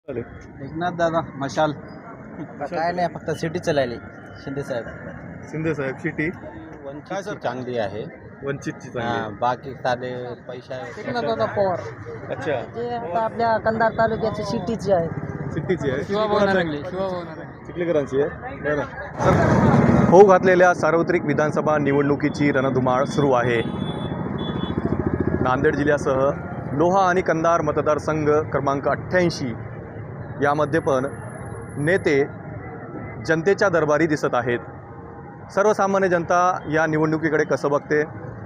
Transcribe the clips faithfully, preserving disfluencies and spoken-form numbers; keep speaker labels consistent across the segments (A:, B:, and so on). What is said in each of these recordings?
A: एकनाथ दादा मशाल
B: काय नाही, फक्त सिटी चालली शिंदे साहेब.
C: शिंदे साहेब सिटी
A: काय सर चांगली आहे.
C: वंचितची
A: हा,
C: चांगली आहे.
A: बाकी साधे पैसा
B: एकनाथ दादा पवार
C: अच्छा
B: जे आता आपल्या कंधार तालुक्याची सिटीची आहे.
C: सिटीची आहे
B: शिवभाऊ
C: चिखलीकरांची आहे. बरं सर, होऊ घातलेल्या सार्वत्रिक विधानसभा निवडणुकीची रणधुमाळ सुरू आहे. नांदेड जिल्ह्यासह लोहा आणि कंधार मतदारसंघ क्रमांक अठ्ठ्याऐंशी यामध्ये पण नेते जनतेच्या दरबारी दिसत आहेत. सर्वसामान्य जनता या निवडणुकीकडे कसं बघते,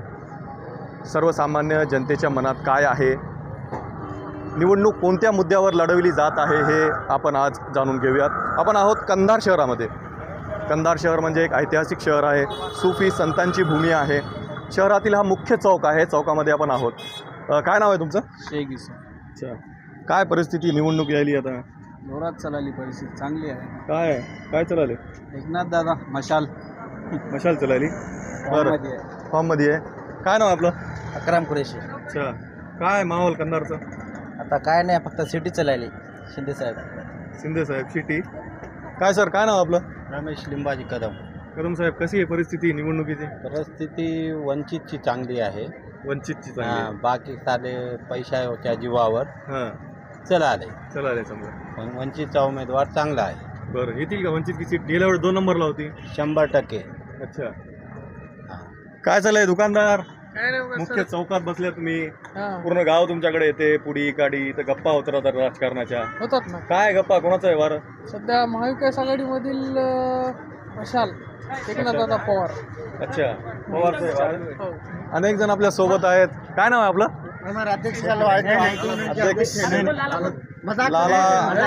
C: सर्वसामान्य जनतेच्या मनात काय आहे, निवडणूक कोणत्या मुद्द्यावर लढवली जात आहे हे आपण आज जाणून घेऊयात. आपण आहोत कंधार शहरामध्ये. कंधार शहर म्हणजे एक ऐतिहासिक शहर आहे, सुफी संतांची भूमी आहे. शहरातील हा मुख्य चौक आहे, चौकामध्ये आपण आहोत. अ, काय नाव आहे तुमचं?
A: शेख इसा.
C: अच्छा, काय परिस्थिती निवडणूक यायली आता?
A: जोरात चालली परिस्थिती चांगली आहे.
C: काय काय चालले?
A: एकनाथ दादा मशाल
C: मशाल चालली. बरं,
A: मध्ये आहे.
C: फॉर्ममध्ये आहे. काय नाव आहे आपलं?
B: अकराम कुरेशी.
C: अच्छा, काय माहोल कंधारचं?
B: आता काय नाही, फक्त सिटी चालली शिंदे साहेब.
C: शिंदे साहेब सिटी. काय सर, काय नाव आपलं?
A: रमेश लिंबाजी कदम.
C: कदम साहेब, कशी आहे परिस्थिती निवडणुकीची?
A: परिस्थिती वंचितची चांगली आहे.
C: वंचितची
A: हा,
C: चांगली आहे.
A: बाकी साधे पैशाच्या जीवावर
C: हां,
A: चलाले.
C: चला रे समजा.
A: पण वंचितचा उमेदवार चांगला आहे.
C: बरं, येतील का वंचितची सीट? गेल्या वेळेस दोन नंबरला होती.
A: शंभर टक्के.
C: अच्छा,
A: हा.
C: काय चाललंय दुकानदार? मुख्य चौकात बसल्या तुम्ही, पूर्ण गाव तुमच्याकडे येते, पुडी काडी तर गप्पा होत राहतात राजकारणाच्या.
B: होतात ना.
C: काय गप्पा, कोणाचं आहे वारं?
B: सध्या महाविकास आघाडीमधील मशाल एकनाथ दादा पवार.
C: अच्छा, पवारचं आहे वारं. अनेक जण आपल्या सोबत आहेत. काय नाव आहे आपलं?
B: अध्यक्ष
C: अध्यक्ष लाला.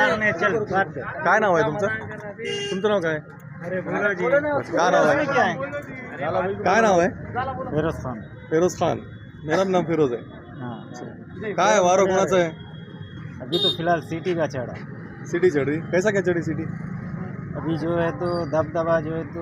C: काय नाव आहे तुमचं? तुमचं नाव काय? काय नाव आहे? काय नाव आहे?
A: फिरोज खान.
C: फिरोज खान. मेरा नाम फिरोज है. काय वारं कोणाचं आहे?
A: अभी तो फिलहाल सिटी का चढ़ा.
C: सिटी चढ़ रही, कैसा क्या चढ़ी सिटी?
A: अभी जो है तो दबदबा जो है तो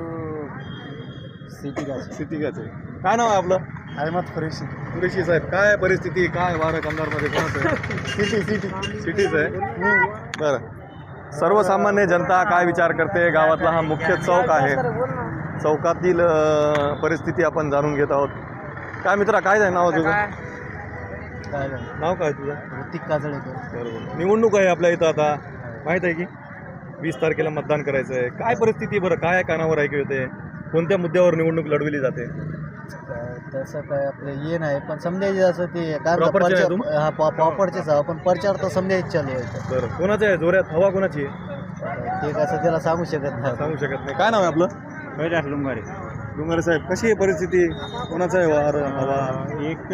A: सिटी का चढ़ा.
C: सिटी काच आहे. काय नाव आहे आपलं?
A: अहमद कुरेशी.
C: कुरेशी साहेब, काय परिस्थिती, काय वारं कंधारमध्ये कोणाचं आहे?
A: सिटी सिटी
C: सिटीच आहे. बरं, सर्वसामान्य जनता काय विचार करते? गावातला हा मुख्य चौक आहे, चौकातील अ, परिस्थिती आपण जाणून घेत आहोत. काय मित्रा, काय आहे नाव तुझं?
A: काय
C: नाव काय तुझं?
A: ऋतिक काजळेकर.
C: बरोबर. निवडणूक आहे आपल्या इथं आता, माहीत आहे की वीस तारखेला मतदान करायचं आहे. काय परिस्थिती, बरं काय कानावर ऐकू येते, कोणत्या मुद्द्यावर निवडणूक लढवली जाते?
A: तसं काय आपलं ये नाही, पण समजायचे असं ते काय
C: Proper चे आहे तुम्ही?
A: हा पॉपरचेच आहे, पण प्रचार तर समजायचं चालू आहे.
C: बरं, कोणाचं आहे जोऱ्यात, हवा कोणाची आहे?
A: ते कसं त्याला सांगू शकत नाही.
C: सांगू शकत नाही. काय नाव आहे आपलं?
A: कैलास लुंगारे.
C: डोंगरे साहेब, कशी आहे परिस्थिती, कोणाचं आहे वार हवा?
A: एक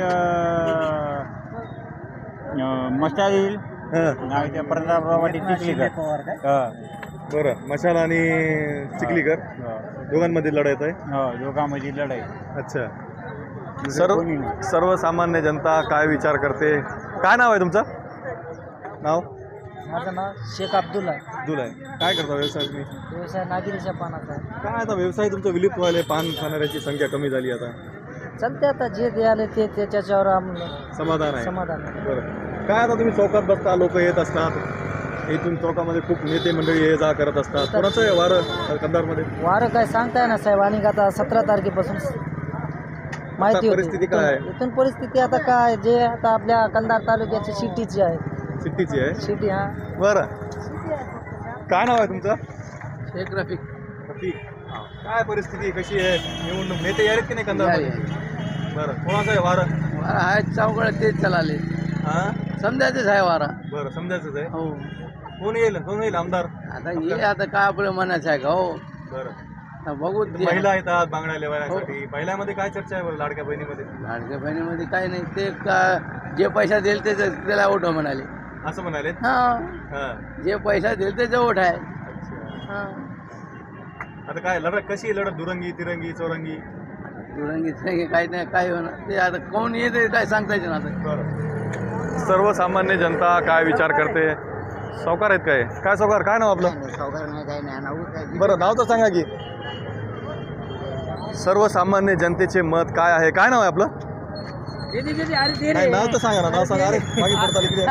A: मशाल येईल
C: हां,
A: त्या प्रतापरावाडी चिखलीकर.
C: बरं, मशाल आणि चिखलीकर दोघांमध्ये लढायचं आहे.
A: हो, दोघांमध्ये लढाई.
C: अच्छा, सर्व सर्वसामान्य जनता काय विचार करते? काय नाव आहे तुमचं? नाव?
B: माझं नाव शेख अब्दुल आहे.
C: अब्दुल आहे. काय करता व्यवसाय तुम्ही?
B: व्यवसाय नागिरीच्या पानाचा आहे.
C: काय आता व्यवसाय तुमचा विलुप्त व्हायला, पान खाणाऱ्याची संख्या कमी झाली आता,
B: चालते आता जे ते आले ते त्याच्यावर आम्हाला
C: समाधान आहे?
B: समाधान आहे.
C: बरं, काय आता तुम्ही चौकात बसता, लोक येत असतात, इथून चौकामध्ये खूप नेते मंडळी ये जा करत असतात. कोणाचं आहे वारं कंधारमध्ये?
B: वारं काय सांगताय ना साहेब, आणि आता सतरा तारखेपासून माहिती होती.
C: परिस्थिती काय आहे?
B: इथून परिस्थिती आता काय, जे आता आपल्या कंधार तालुक्याची सिटीची आहे.
C: सिटीची आहे.
B: सिटी हा.
C: बरं, काय नाव आहे तुमचं?
B: शेख रफिक.
C: रफिक. काय परिस्थिती कशी आहे, निवडणूक नेते यायलेत की नाही कंधारमध्ये? बरं, कोणाचं आहे वारं?
B: वारा आहे चौकळ तेच चलाले.
C: हां,
B: समजायचंच आहे वारा.
C: बरं, समजायचंच आहे.
B: हो,
C: कोण येईल, कोण येईल आमदार?
B: आता ये आता काय आपलं म्हणायचं आहे का? हो,
C: बरं,
B: आता बघू. ते
C: महिला येतात बांगड्या लेवायसाठी. महिलांमध्ये काय चर्चा आहे बरं लाडक्या बहिणीमध्ये?
B: लाडक्या बहिणीमध्ये काही नाही, ते का जे पैसा देईल ते त्याला ओठ म्हणाले.
C: असं म्हणाले?
B: हा,
C: हां,
B: जे पैसा देईल त्याचा ओठ आहे.
C: अच्छा.
B: हा,
C: आता काय लढत कशी आहे, लढत दुरंगी तिरंगी चौरंगी?
B: दुरंगी काही नाही, काय होणार ते आता कोण येते काय सांगता येते ना आता.
C: बरं, सर्वसामान्य जनता काय विचार करते? सावकार आहेत काय? काय सावकार, काय नाव आपलं?
B: सावकार नाही, काही नाही.
C: बरं, नाव तर सांगा की. सर्वसामान्य जनतेचे मत काय आहे? काय नाव आहे आपलं? नाही नाव तर सांगा ना नाव सांगा. अरे मागे पडताल इकडे.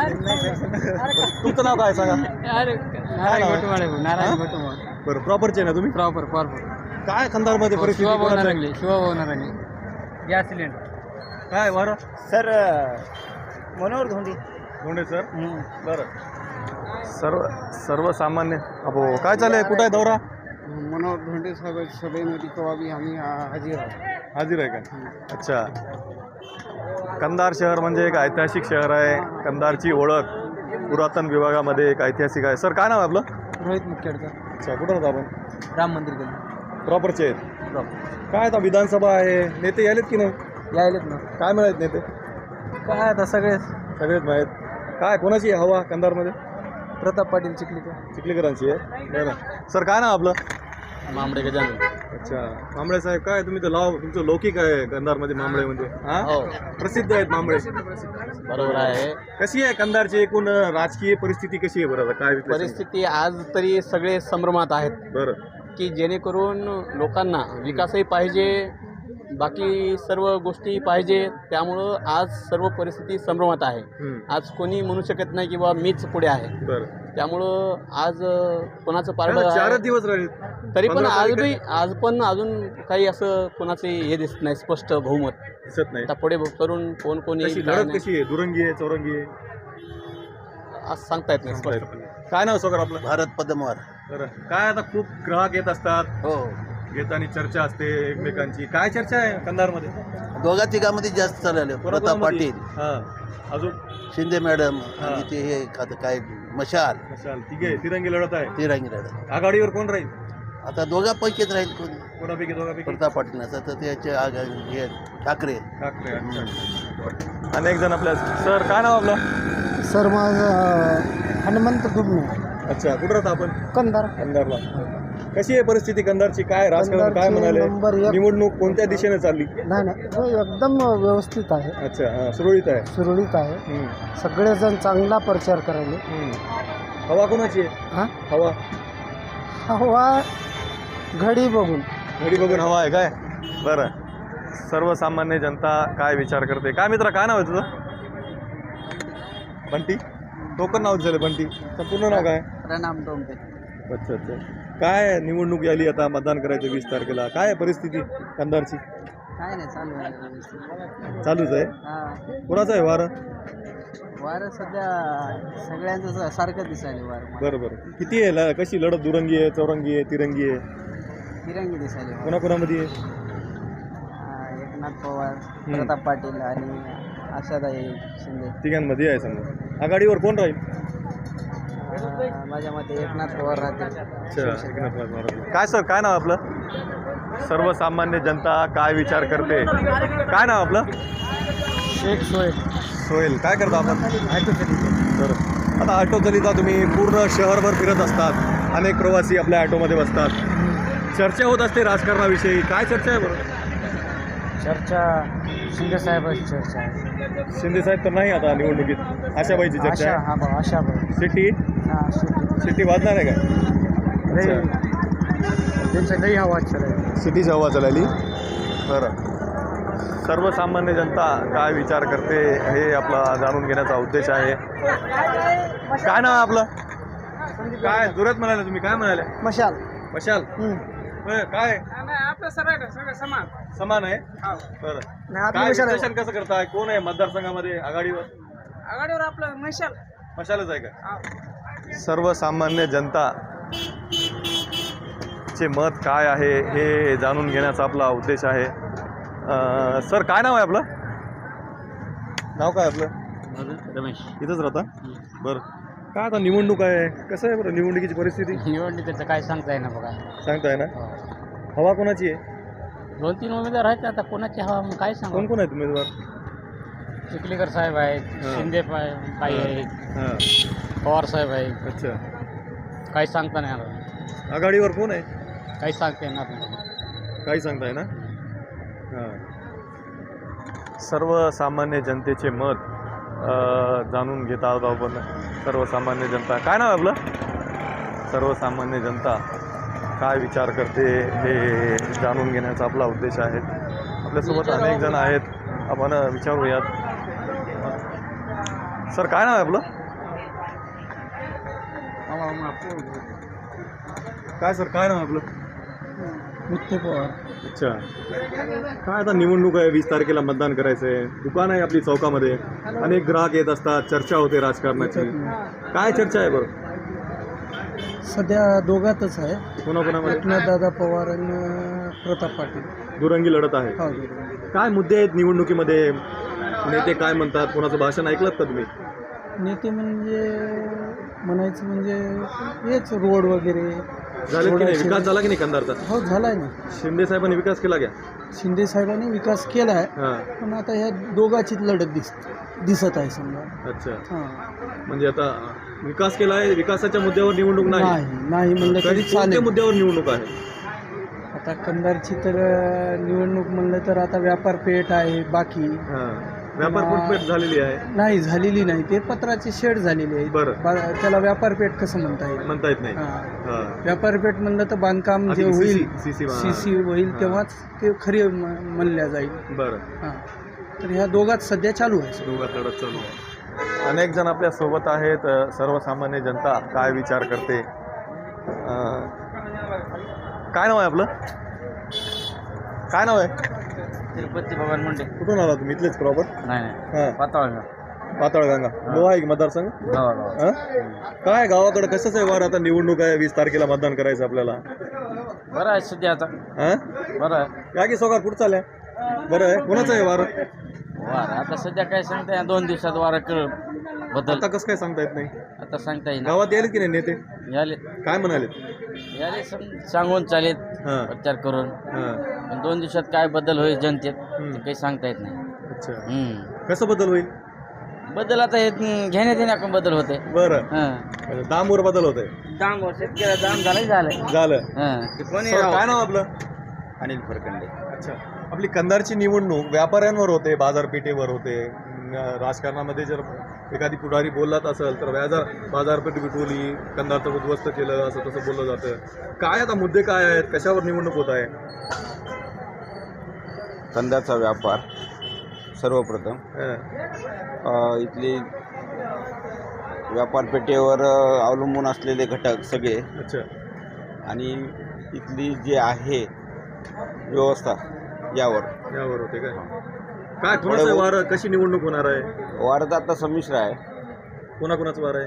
C: तुमचं नाव काय सांगा.
B: नारायण घोटमाळे.
C: बरं प्रॉपरचे ना तुम्ही.
B: प्रॉपर प्रॉपर
C: काय कंधारमध्ये परिस्थिती कोणाचं आहे?
B: Shivbhau Narangle gas cylinder.
C: काय वारं
A: सर मनोहर धोंडी.
C: धोंडे सर. बरं सर्व सर्वसामान्य अबो काय चाललंय. कुठं आहे दौरा.
B: मनोहर धोंडे साहेब सभेमध्ये केव्हा बी आम्ही हजर आहोत.
C: हाजीर आहे का. अच्छा. कंधार शहर म्हणजे एक ऐतिहासिक शहर आहे. कंधारची ओळख पुरातन विभागामध्ये एक ऐतिहासिक आहे. सर काय नाव आहे आपलं.
B: रोहित मुखेडकर.
C: अच्छा कुठं होतं आपण.
B: राम मंदिर गेलं.
C: प्रॉपरचे आहेत. काय आता विधानसभा आहे नेते यायलेत की नाही.
B: यायलेत ना.
C: काय मिळालेत नेते.
B: काय आता सगळे
C: सगळेच माहीत. काय कोणाची आहे हवा कंधारमध्ये.
B: प्रताप पाटील चिखलीकर.
C: चिखलीकरांची आहे. बरं सर काय नाव आपलं.
B: मामडे गजानन.
C: अच्छा मांबळे साहेब काय तुम्ही तर लाव तुमचं लौकिक आहे कंधारमध्ये मांबळेमध्ये. हां
B: हो
C: प्रसिद्ध आहेत मांबळे.
B: बरोबर आहे.
C: कशी आहे कंधारची एकूण राजकीय परिस्थिती कशी आहे. बरं काय विश्लेषण?
B: परिस्थिती आज तरी सगळे संभ्रमात आहेत
C: बरं
B: की जेणेकरून लोकांना विकासही पाहिजे, बाकी सर्व गोष्टी पाहिजे. त्यामुळं आज सर्व परिस्थिती संभ्रमात आहे.
C: हम्म.
B: आज कोणी म्हणू शकत नाही की बा मीच पुढे आहे.
C: बरं
B: त्यामुळं आज अ, कोणाचं
C: त्याला
B: पारडं
C: चारच
B: आहे.
C: दिवस राहिले.
B: तरी पण
C: पंधरा
B: आज
C: तारीख
B: बी आज पण अजून काही असं कोणाचे हे दिसत नाही स्पष्ट बहुमत.
C: दिसत नाही.
B: आता पुढे करून कोण कोण
C: कशी
B: येईल काय
C: लढत
B: नाही,
C: कशी आहे. दुरंगी आहे चौरंगी आहे.
B: आज सांगता येत नाही स्पष्ट.
C: काय नाव सोकर आपलं.
D: भारत पद्मवार.
C: बरं काय आता खूप ग्राहक येत असतात.
D: हो
C: येताना चर्चा असते एकमेकांची. काय चर्चा आहे कंधारमध्ये.
D: दोघा तिघामध्ये जास्त चालले. प्रताप पाटील,
C: हां अजून
D: शिंदे मॅडम
C: हा.
D: आणि ते हे खातं काय मशाल
C: मशाल तिघे तिरंगी लढत आहे.
D: तिरंगी लढत.
C: आघाडीवर कोण राहील.
D: आता दोघांपैकीच राहील कोणी.
C: कोणापैकी दोघापैकी.
D: प्रताप पाटील नसतं तर त्याचे आग- हे ठाकरे.
C: ठाकरे. अनेक जण आपल्या. सर काय नाव आपलं.
B: सर माझं हनुमंत दुबणे.
C: अच्छा कुठं राहता आपण.
B: कंधार.
C: कंधारला. कशी आहे परिस्थिती कंधारची. काय राजकारण काय
B: कंधारची
C: म्हणाले.
B: नंबर एक.
C: निवडणूक कोणत्या दिशेने चालली.
B: नाही नाही तो एकदम व्यवस्थित आहे,
C: अच्छा हां सुरळीत आहे.
B: सुरळीत आहे.
C: हम्म.
B: सगळेजण चांगला प्रचार करायले.
C: हम्म. हवा कोणाची आहे.
B: हां
C: हवा
B: हवा घडी बघून.
C: घडी बघून हवा आहे काय. बरं सर्वसामान्य जनता काय विचार करते. काय मित्रा काय नाव आहे तुझं. बंटी. टोकन नाव झालं बंटी. संपूर्ण नाव काय.
B: प्रणाम टोमटे.
C: अच्छा अच्छा. काय निवडणूक आली आता मतदान करायचं वीस तारखेला. काय आहे परिस्थिती कंधारची.
B: काय नाही चालू आहे.
C: चालूच आहे.
B: हां
C: कोणाचं आहे वारं.
B: वारं सध्या सगळ्यांचं सारखं दिसायला वारं.
C: बरं बरं किती आहे ल- कशी लढत. दुरंगी आहे चौरंगी आहे तिरंगी आहे.
B: तिरंगी दिसायला.
C: कोणाकोणामध्ये आहे.
B: एकनाथ पवार, प्रताप पाटील आणि आशाताई शिंदे.
C: तिघांमध्ये आहे समजा. आघाडीवर कोण राहील.
B: अं, माझ्या मते एकनाथ पवार राहतील.
C: काय सर काय नाव आपलं. सर्वसामान्य जनता काय विचार करते. काय नाव आपलं.
B: शेख सोहेल.
C: सोहेल काय करता आपण. बरं आता ऑटो चालिता तुम्ही पूर्ण शहरभर फिरत असतात. अनेक प्रवासी आपल्या ऑटोमध्ये बसतात. चर्चा होत असते राजकारणाविषयी. काय चर्चा आहे बरं.
B: चर्चा शिंदे साहेबांची चर्चा आहे.
C: शिंदे साहेब तर नाही आता निवडणुकीत. आशाबाईची चर्चा
B: आशा
C: आहे.
B: हा भाऊ आशाबाई.
C: सिटी
B: हां शेख.
C: सिटी वाजणार आहे का.
B: लई त्यांचं लई हवा चालायची.
C: सिटीची हवा चालली. बरं सर्वसामान्य जनता काय विचार करते हे आपला जाणून घेण्याचा उद्देश आहे. काय नाव आहे आपलं. काय जोरात म्हणाले तुम्ही. काय म्हणाले.
B: मशाल.
C: मशाल. होय, काय
B: आपलं सगळं सगळं समान
C: समान आहे. बरं काय विश्लेषण कसं करताय. कोण आहे मतदारसंघामध्ये आघाडीवर.
B: आघाडीवर आपलं मशाल.
C: मशालच आहे का. सर्वसामान्य जनता चे मत काय आहे हे जाणून घेण्याचा आपला उद्देश आहे. अं, सर काय नाव आहे आपलं. नाव काय आपलं.
B: रमेश.
C: इथंच राहता. बरं काय आता निवडणूक आहे. कसं आहे बरं निवडणुकीची परिस्थिती.
B: निवडणुकीचं काय सांगता येणार बघा.
C: सांगताय ना. हवा कोणाची आहे.
B: दोन तीन उमेदवार आहेत. आता कोणाची हवा मग काय सांगू.
C: कोण कोण आहेत उमेदवार.
B: चिखलीकर साहेब आहेत,
C: हां.
B: शिंदे बाई आहेत,
C: हां
B: पवार साहेब आहेत.
C: अच्छा.
B: काही सांगता नाही येणार.
C: आघाडीवर कोण आहे.
B: काही सांगता येणार नाही.
C: काही सांगताय ना. हां सर्वसामान्य जनतेचे मत अ, जाणून घेत आहोत आपण. सर्वसामान्य जनता काय नाव आहे आपलं. सर्वसामान्य जनता काय विचार करते हे जाणून घेण्याचा आपला उद्देश आहे. आपल्यासोबत अनेक जण आहेत. आपण विचारूयात. सर काय नाव आहे आपलं? काय सर काय नाव आहे आपलं?
A: मुत्ते पवार.
C: अच्छा, काय आता निवडणूक आहे, वीस तारखेला मतदान करायचं आहे. दुकान आहे आपली चौकामध्ये, अनेक ग्राहक येत असतात, चर्चा होते राजकारणाची. काय चर्चा आहे बरं?
A: सध्या दोघातच आहे,
C: कोणाकोणामध्ये?
A: एकनाथदादा पवार आणि प्रताप पाटील.
C: दुरंगी लढत आहे.
A: हो,
C: काय मुद्दे आहेत निवडणुकीमध्ये? नेते काय म्हणतात? कोणाचं भाषण ऐकलं का तुम्ही?
A: नेते म्हणजे म्हणायचं म्हणजे हेच रोड वगैरे
C: झाले की नाही? विकास झाला की नाही कंधारचा?
A: हो झालाय ना.
C: शिंदे साहेबांनी विकास केला का?
A: शिंदे साहेबांनी विकास केला आहे,
C: हां,
A: पण आता ह्या दोघाचीच लढत दिस दिसत आहे समजा.
C: अच्छा.
A: हां,
C: म्हणजे आता विकास केला आहे, विकासाच्या मुद्द्यावर निवडणूक नाही.
A: नाही नाही म्हणलं तरी
C: तरी कोणत्या
A: चालेल.
C: मुद्द्यावर निवडणूक आहे?
A: आता कंधारची तर अं, निवडणूक म्हणलं तर आता व्यापार पेठ आहे, बाकी
C: हां, व्यापार फुटपेट झालेली आहे.
A: नाही झालेली नाही, ते पत्राचे शेड झालेले आहे.
C: बरं.
A: बा- त्याला व्यापार पेठ कसं म्हणता येईल?
C: म्हणता येत नाही.
A: हां.
C: हां.
A: व्यापार पेठ म्हणलं तर बांधकाम जे
C: आधी
A: होईल
C: सी सी
A: सी सी होईल
C: हां.
A: तेव्हाच ते खरी म- म्हणल्या जाईल.
C: बरं.
A: हां, तर ह्या दोघात सध्या चालू आहे.
C: दोघात लढत चालू आहे. अनेक जण आपल्या सोबत आहेत. अ, सर्वसामान्य जनता काय विचार करते? अ, काय नाव आहे आपलं? काय नाव आहे?
A: तिरुपती भगवान मुंडे.
C: कुठून आला तुम्ही? इथलेच प्रॉपर?
A: नाही नाही,
C: हां,
A: पाताळ
C: पाताळगंगा. लोहा आहे की मतदारसंघ? हां, काय गावाकडे कसंच आहे वार? आता निवडणूक आहे, वीस तारखेला मतदान करायचं आपल्याला.
A: बरं आहे सध्या आता.
C: हां,
A: बरं आहे
C: या की सोगार कुठं चालल्या? बरं आहे. कोणाचं आहे वार?
A: वार आता सध्या काय सांगताय, दोन दिवसात वार कर बदल
C: आता कसं काय सांगता येत नाही?
A: आता सांगता येईल.
C: गावात यायलेत की नाही नेते?
A: याले
C: काय म्हणाले?
A: याले सम- सांगून चालेल
C: हां,
A: प्रचार करून,
C: हां,
A: पण दोन दिवसात काय बदल होईल जनतेत
C: हम्म.
A: ते काही सांगता येत नाही.
C: अच्छा.
A: हम्म.
C: कसं बदल होईल?
A: बदल आता हे हम्म, घेण्यात येण्याकडून बदल होते.
C: बरं.
A: हां,
C: दामवर बदल होत आहे.
A: दाम शेतकऱ्या दाम झालं झालं.
C: झालं.
A: हां, ते कोणी
C: सर,
A: राव?
C: काय नाव आपलं?
A: अनिल फरकंडे.
C: अच्छा, आपली कंधारची निवडणूक व्यापाऱ्यांवर होते, बाजारपेठेवर होते. न- राजकारणामध्ये जर एखादी पुढारी बोललात असेल तर व्याजार बाजारपेठ विटवली, कंधारचं उद्ध्वस्त केलं, असं तसं बोललं जातं. काय आता मुद्दे काय आहेत? कशावर निवडणूक होत आहे?
E: कंदाचा व्यापार सर्वप्रथम
C: हं,
E: अ, इथली व्यापारपेठेवर अ, अवलंबून असलेले घटक सगळे
C: अच्छा.
E: आणि इथली जी आहे व्यवस्था यावर
C: यावर होते काय? काय कोणाचं आहे वार? कशी निवडणूक होणार आहे?
E: वारदा आता संमिश्र आहे.
C: कोणाकोणाचं वार आहे?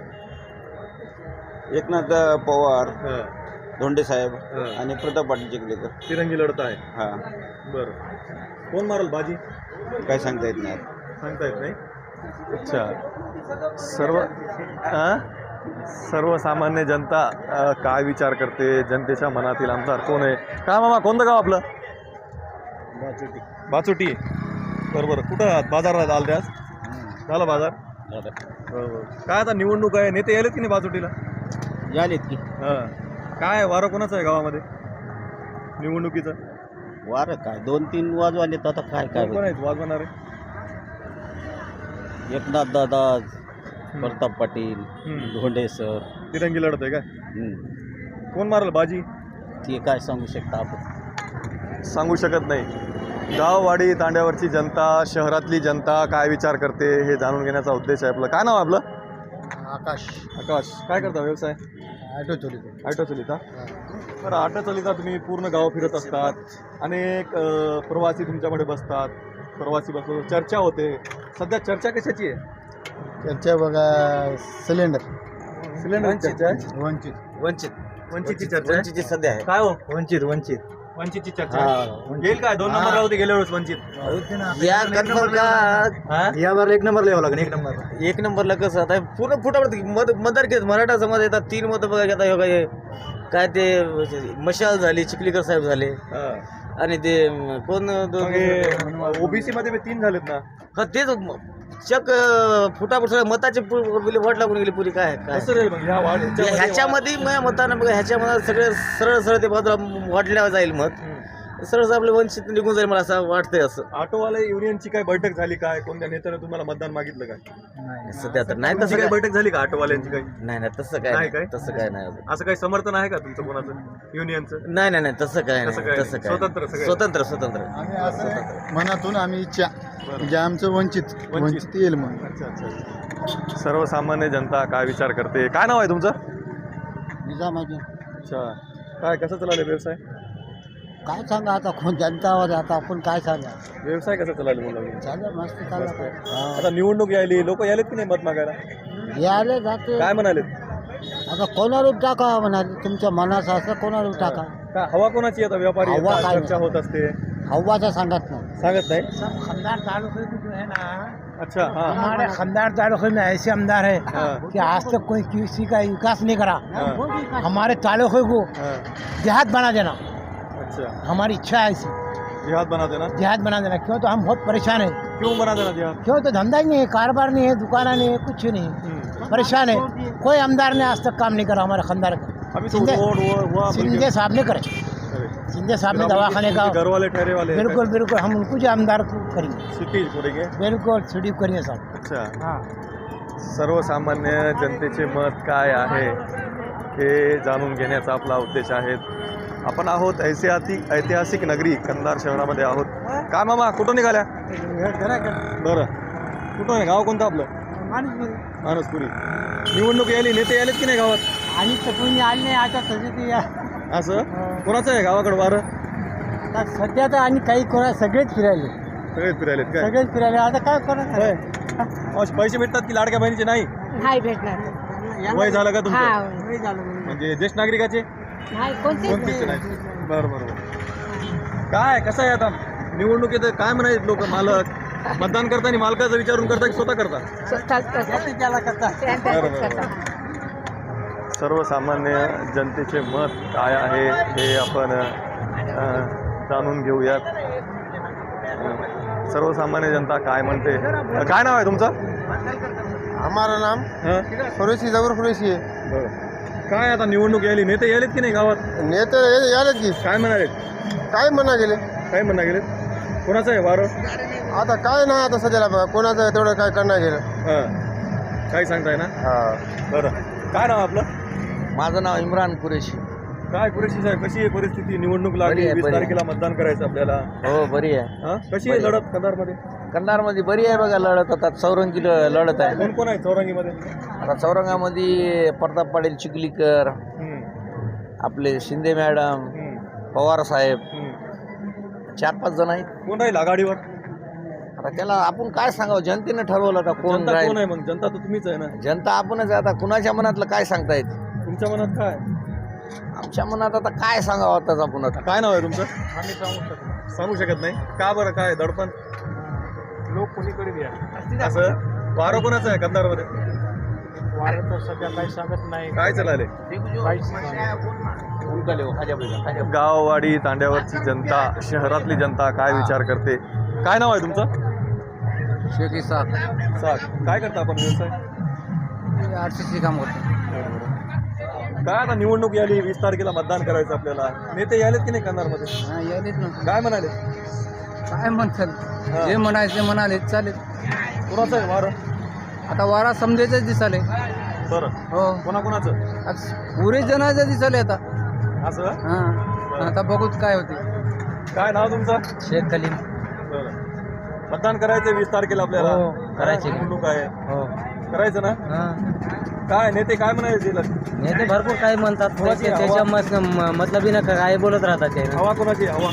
E: एकनाथ पवार,
C: हां,
E: धोंडे साहेब
C: हां.
E: आणि प्रताप पाटील चिखलीकर.
C: तिरंगी लढत आहे.
E: हा,
C: बरं. कोण मारल बाजी?
E: काय सांगता येत नाही.
C: सांगता येत नाही. अच्छा. सर्व अ? सर्वसामान्य जनता अ, काय विचार करते? जनतेच्या मनातील आमदार कोण आहे? काय मामा, कोणतं गाव आपलं?
A: बाचोटी.
C: बाचोटी. बरोबर. कुठं आहात? बाजारात आल त्यास? झालं बाजार? बरोबर. काय आता निवडणूक आहे, नेते यायलेत की नाही बाचोटीला?
A: यालेत की
C: हां. काय वारं कोणाचं आहे गावामध्ये निवडणुकीचं?
A: वार काय दोन तीन वाजवाले तर आता काय काय
C: कोण आहेत वाजवणारे?
A: एकनाथ दादा, प्रताप पाटील,
C: हम्म.
A: धोंडे सर.
C: तिरंगी लढत आहे काय?
A: हम्म.
C: कोण मारल बाजी?
A: ते काय सांगू शकता आपण?
C: सांगू शकत नाही. गाववाडी तांड्यावरची जनता, शहरातली जनता काय विचार करते हे जाणून घेण्याचा उद्देश आहे आपला. काय नाव आहे आपलं?
A: आकाश.
C: आकाश. काय करता व्यवसाय?
A: ऑटो चोरी.
C: ऑटो चलिता. बरं, ऑटो चलिता तुम्ही पूर्ण गाव फिरत असतात. अनेक अ, प्रवासी तुमच्याकडे बसतात. प्रवासी बसतो, चर्चा होते. सध्या चर्चा कशाची आहे?
A: त्यांच्या बघा सिलेंडर.
C: सिलेंडर चर्चा आहे.
A: वंचित.
B: वंचित
C: वंचितची चर्चा आहे.
B: सध्या आहे.
C: काय हो?
A: वंचित वंचित
C: वंचितची चर्चा आहे. येईल काय? दोन नंबरला होते गेल्या वेळेस वंचित.
B: या कन्फर्म का
C: हा?
A: यावर एक नंबर यावं लागेल. एक नंबर.
B: एक नंबरला कसं आता पूर्ण फुटाफुट मत मतदार घेत मराठा समाज येतात. तीन मतं बघा घेता हे काय काय ते मशाल झाली, चिखलीकर साहेब झाले
C: हा.
B: आणि ते म, कोण
C: ओबीसी मध्ये बी तीन झालेत ना.
B: हा तेच म- चक फुटाफुट सगळ्या मताचे वाट लागून गेली पुरी. काय काय
C: कसं रे मग ह्या वाढ ह्याच्यामध्ये
B: ह्याच्यामध्ये माझ्या मतानं बघा ह्याच्यामध्ये सगळे सरळ सरळ ते बाजूला वाटल्या जाईल मत.
F: सरळ आपले वंचित निघून जाईल मला असं वाटतंय. असं
C: ऑटोवाले युनियनची काय बैठक झाली काय? कोणत्या नेत्याने तुम्हाला मतदान मागितलं काय?
F: सध्या तर नाही. तसं
C: तुमची काय
F: काय
C: बैठक झाली का ऑटोवाल्यांची काही?
F: नाही नाही तसं काय
C: नाही
F: नाही
C: काय?
F: तसं काय नाही अजून.
C: असं काही समर्थन आहे का तुमचं कोणाचं युनियनचं?
F: नाही नाही नाही तसं काय
C: तसं
F: नाही
C: काय
F: तसं
C: नाही.
F: काय
C: स्वतंत्र सगळे?
F: स्वतंत्र स्वतंत्र.
G: आम्ही असं मनातून आम्ही इच्छा म्हणजे आमचं वंचित वंचित येईल म्हणून.
C: अच्छा अच्छा. सर्वसामान्य जनता काय विचार करते? काय नाव आहे तुमचं?
G: निजामाजी
C: अच्छा. काय कसं चालले व्यवसाय?
G: काय सांगा आता कोण जनतावर आहे, आता आपण काय सांगा.
C: व्यवसाय कसं चालले मुलं?
G: चालेल मस्त चालला.
C: आता निवडणूक यायली, लोक यायलेत की नाही मत मागायला?
G: यायला जाते
C: काय म्हणाले?
G: आता कोणाला टाका म्हणाले, तुमच्या मनाचं असं कोणाला टाका.
C: काय हवा कोणाची आता? व्यापारी आहेत,
G: हवा काय
C: चर्चा होत असते.
G: हवाचा सांगत नाही.
C: सांगत नाही.
A: खंडार तालुके में जो है ना,
C: अच्छा. हाँ
A: हमारे खंडार तालुके में ऐसे आमदार है
C: हाँ
A: कि आज तक कोई किसी का विकास नहीं करा.
C: हाँ
A: हमारे तालुके को
C: हाँ.
A: देहात बना देना,
C: अच्छा.
A: हमारी इच्छा है ऐसी.
C: जिहाद बना देना.
A: देहात बना देना. क्यों तो हम बहुत परेशान हैं.
C: क्यों बना देना जिहाद?
A: क्यों तो धंधा ही नहीं है, कारोबार नहीं है, दुकान नहीं है, कुछ नहीं है.
C: हम्म.
A: परेशान है. कोई आमदार ने आज तक काम नहीं करा हमारे खंडार का.
C: अभी तो
A: शिंदे
C: रोड वो हुआ
A: शिंदे साहब ने करे. शिंदे साहब ने दवाखाने का
C: घर वाले ठहरे वाले हैं.
A: बिल्कुल बिल्कुल हम उनको जो आमदार को करेंगे.
C: सिटी करेंगे.
A: बिल्कुल सुडीप करेंगे साहब.
C: अच्छा.
A: हाँ.
C: सर्वसामान्य जनतेचे मत काय आहे हे जाणून घेण्याचा आपला उद्देश आहे. आपण आहोत ऐतिहासिक ऐतिहासिक नगरी कंधार शहरामध्ये आहोत. काय मामा कुठून निघाल्या? बरं. कुठून आहे? गाव कोणतं आपलं? मानसपुरी. निवडणूक यायली, नेते यायलेत की नाही गावात?
A: आणि तर कोणी आले नाही आता सध्या ते या.
C: असं कोणाचं आहे गावाकडे वारं?
A: आता सध्या तर आणि काही कोणा सगळेच फिरायले.
C: सगळेच फिरायलेत काय?
A: सगळेच फिरायले. आता काय करणार?
C: होय. अहो, पैसे भेटतात की लाडक्या बहिणीचे नाही?
H: नाही भेटणार.
C: वय झालं का तुमचं?
H: हा
A: वय झालं म्हणून.
C: म्हणजे ज्येष्ठ नागरिकाचे
H: नाही कोणतेच
C: कोणतेच नाही. बरं बरं बरं. काय कसं आहे आता निवडणुकीत काय म्हणायचे लोक? मालक मतदान करताना मालकाचं विचारून करता की स्वतः करता?
H: स्वतःच करतात.
A: त्याला करता.
C: बरं बरं. सर्वसामान्य जनतेचे मत काय आहे हे आपण अ, जाणून घेऊयात. अ, सर्वसामान्य जनता काय म्हणते? अ, काय नाव आहे तुमचं?
G: हमारा नाम
C: हं?
G: कुरेशी जबर कुरेशी आहे.
C: बरं. काय आता निवडणूक यायली, नेते यायलेत की नाही गावात?
G: नेते यायलेत की
C: काय म्हणाले?
G: काय म्हणा गेले.
C: काय म्हणा गेलेत? कोणाचं आहे वारं?
G: आता काय नाही आता सध्याला बघा कोणाचं तेवढं काय करणार गेलं.
C: हां. काय सांगताय ना?
G: हा.
C: बरं. काय नाव आपलं?
F: माझं नाव इम्रान कुरेशी.
C: काय कुरेशी साहेब कशी आहे परिस्थिती? निवडणूक लागली,
F: बरी आहे,
C: वीस
F: बरी आहे.
C: तारखेला मतदान करायचं आपल्याला.
F: हो बरी आहे.
C: हां कशी आहे
F: बरी आहे.
C: लढत कंधारमध्ये?
F: कंधारमध्ये बरी आहे बघा लढत. आता चौरंगी ल- लढत आहे.
C: कोण कोण आहे चौरंगीमध्ये?
F: आता चौरंगामध्ये प्रताप पाटील चिखलीकर,
C: हम्म,
F: आपले शिंदे मॅडम,
C: हम्म,
F: पवार साहेब,
C: हम्म.
F: चार पाच जण आहेत.
C: कोण राहील आघाडीवर?
F: आता त्याला आपण काय सांगावं? जनतेने ठरवलं आता कोण
C: जनता कोण
F: राहील.
C: आहे मग? जनता तर तुम्हीच आहे ना.
F: जनता आपणच आहे. आता कुणाच्या मनातलं काय सांगता येत?
C: तुमच्या मनात काय?
F: आमच्या मनात आता काय सांगावं आताच आपण आता.
C: काय नाव आहे तुमचं?
A: आम्ही सांगू शकतो.
C: सांगू शकत नाही का? बरं काय दडपण?
A: लोक कोणीकडे द्या.
C: असं वारं कोणाचं आहे कंधारमध्ये?
A: वारं तर सध्या काही सांगत नाही.
C: काय चालले?
A: काहीच नाही.
C: गाववाडी तांड्यावरची जनता, शहरातली जनता काय विचार करते? काय नाव आहे तुमचं?
G: शेती सात
C: साग. काय करता आपण व्यवसाय?
G: आर सी सी काम करतो.
C: काय आता निवडणूक यायली, वीस तारखेला मतदान करायचं आपल्याला. नेते यायलेत की नाही कंधारमध्ये?
G: हा यायलेत ना.
C: काय म्हणाले?
G: काय म्हणतात
C: हा.
G: जे म्हणायचे म्हणाले चालेल.
C: कोणाचं आहे वारं?
G: आता वारा समजायचंच दिसाले.
C: बरं.
G: हो
C: कोणाकोणाचं?
G: आज पुरे जणांचं दिसाले आता.
C: असं?
G: हा आता बघूत काय होते.
C: काय नाव तुमचं?
G: शेख खलील.
C: बरं. मतदान करायचं वीस तारखेला आपल्याला.
G: हो, करायचे.
C: निवडणूक आहे,
G: हो
C: करायचं ना?
G: हा
C: काय नेते काय म्हणायचे तिला?
G: नेते भरपूर काही म्हणतात.
C: कोणाची हवा?
G: त्याच्या मत मतलबी ना काय बोलत राहतात ते.
C: हवा कोणाची? हवा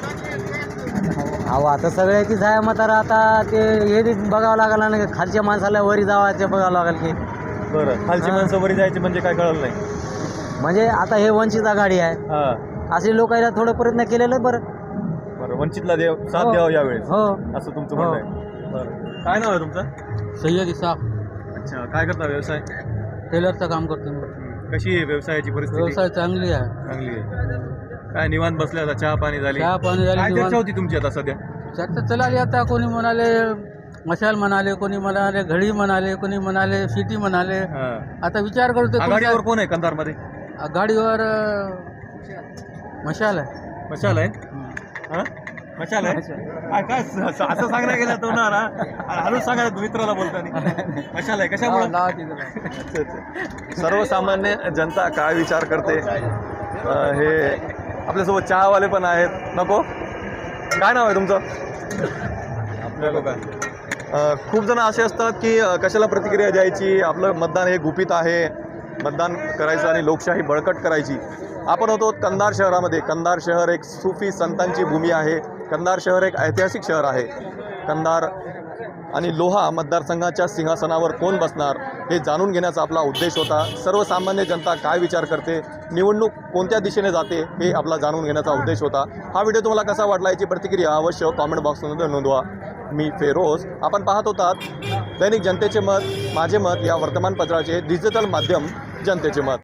G: अहो आता सगळ्याचीच आहे म्हातारा. आता ते हे बी बघावं लागेल ना, खालच्या माणसाला वरी जावायचं बघावं लागेल की.
C: बरं. खालची
G: हा.
C: माणसं वरी जायची म्हणजे काय कळलं नाही.
G: म्हणजे आता हे वंचित आघाडी आहे,
C: हा
G: असे लोकांना थोडं प्रयत्न केलेलं बरं.
C: बरं. वंचितला देव साथ
G: हो.
C: द्यावा यावेळेस
G: हो
C: असं तुमचं
G: हो.
C: म्हणणं आहे. बरं. काय नाव आहे तुमचं?
G: सय्यद इसाक.
C: अच्छा. काय करता व्यवसाय?
G: टेलरचं काम करतो मी.
C: कशी आहे व्यवसायाची परिस्थिती?
G: व्यवसाय चांगली आहे.
C: चांगली आहे. काय निवांत बसल्या आता? चहा पाणी झाली?
G: चहा पाणी झाली,
C: काय
G: निवांत.
C: चर्चा होती तुमची आता सध्या?
G: चर्चा चलाली आता. कोणी म्हणाले मशाल म्हणाले, कोणी म्हणाले घडी म्हणाले, कोणी म्हणाले सिटी म्हणाले.
C: हा.
G: आता विचार करतो
C: आघाडीवर कोण आहे कंधारमध्ये?
G: गाडीवर अं, मशाल आहे.
C: मशाल आहे. हां मशाल आहे काय काय स- स- असं सांगण्यात गेलं तो ना हळूच सांगा मित्राला बोलताना मशाल आहे कशामुळे अच्छा, अच्छा. सर्वसामान्य जनता काय विचार करते अं, हे आपल्यासोबत चहावाले पण आहेत. नको काय नाव आहे तुमचं? आपल्याला काय खूप जण असे असतात की अं, कशाला प्रतिक्रिया द्यायची, आपलं मतदान हे गुपित आहे, मतदान करायचं आणि लोकशाही बळकट करायची. आपण होतो कंधार शहरामध्ये. कंधार शहर एक सुफी संतांची भूमी आहे. कंधार शहर एक ऐतिहासिक शहर आहे. कंधार आणि लोहा मतदारसंघाच्या सिंहासनावर कोण बसणार हे जाणून घेण्याचा आपला उद्देश होता. सर्वसामान्य जनता काय विचार करते, निवडणूक कोणत्या दिशेने जाते हे आपला जाणून घेण्याचा उद्देश होता. हा व्हिडिओ तुम्हाला कसा वाटला याची प्रतिक्रिया अवश्य कॉमेंट बॉक्समध्ये नोंदवा. मी फेरोज. आपण पाहत होतात दैनिक जनतेचे मत, माझे मत या वर्तमानपत्राचे डिजिटल माध्यम जनतेचे मत.